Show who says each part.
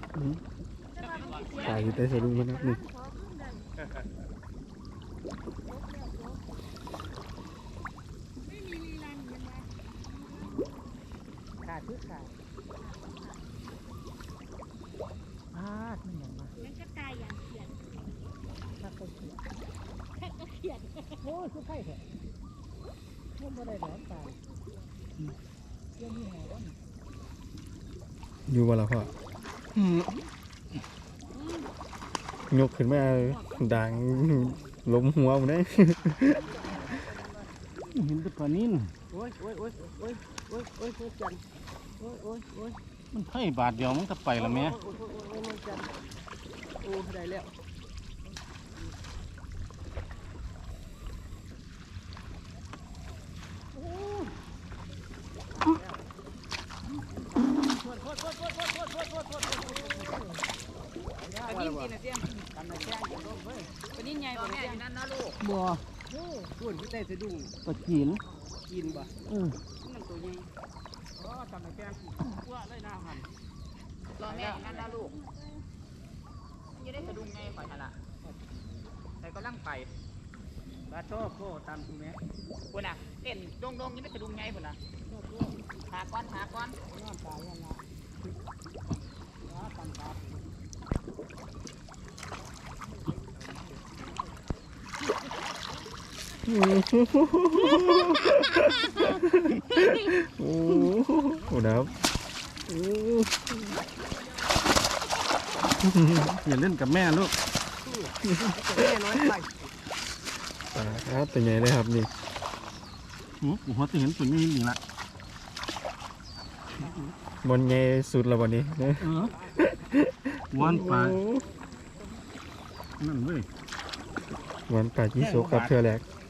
Speaker 1: ตายอยู่ใต้สะดุ้งมันนะนี่
Speaker 2: ขาดคือขาดมันอย่างมา
Speaker 3: มันก็ตายอย่างเขียน
Speaker 2: ถ้าเขาเขียน
Speaker 3: ก็เขียน
Speaker 2: โอ้ยคือไข่แท้มันบ่ได้แหลมตายยังมีแหวน
Speaker 1: อยู่บ่ล่ะพ่อ ยกขึ้นมาดังล้มหัวผมได้
Speaker 2: เห็นแต่ปลานิ่นโอ้ยจันโอ้ยมันให้บาทเดียวมันก็ไปแล้วแม่โอ้ยจันโอ้ได้แล้ว
Speaker 4: ปนิ่มกินนะเสียมกันนะแข้งกินลงเว้ยปนิ่มใหญ่บ่แม่อยู่นั่นนะลูก
Speaker 2: บ่
Speaker 4: ส่วนที่ได้สะดุ้ง
Speaker 2: ปลาจีน
Speaker 4: กินบ่
Speaker 2: มัน
Speaker 4: ตัวใหญ่กันนะแข้งกว่าเลยหน้าหันรอแม่อยู่นั่นนะลูกยังได้สะดุ้งไงข่อยหั่นล่ะแต่ก็ลังไปบาโต้โก้ตามคุณแม่พุ่นน่ะเต้นดงยังได้สะดุ้งไงพุ่นน่ะหาก้อนน้ำตายังนะตันตา
Speaker 1: โอ้โหนะครับอย่าเล่นกับแม่ลูก
Speaker 2: แม่น้อยไป
Speaker 1: ตัวใหญ่เลยครับนี่
Speaker 2: หัวจะเห็นตัวนี้นี่ละ
Speaker 1: บอลใหญ่สุดแล้ววันนี้
Speaker 2: วันปลานั่นเว้ย
Speaker 1: วันป่ายี่โซกับเธอแหลก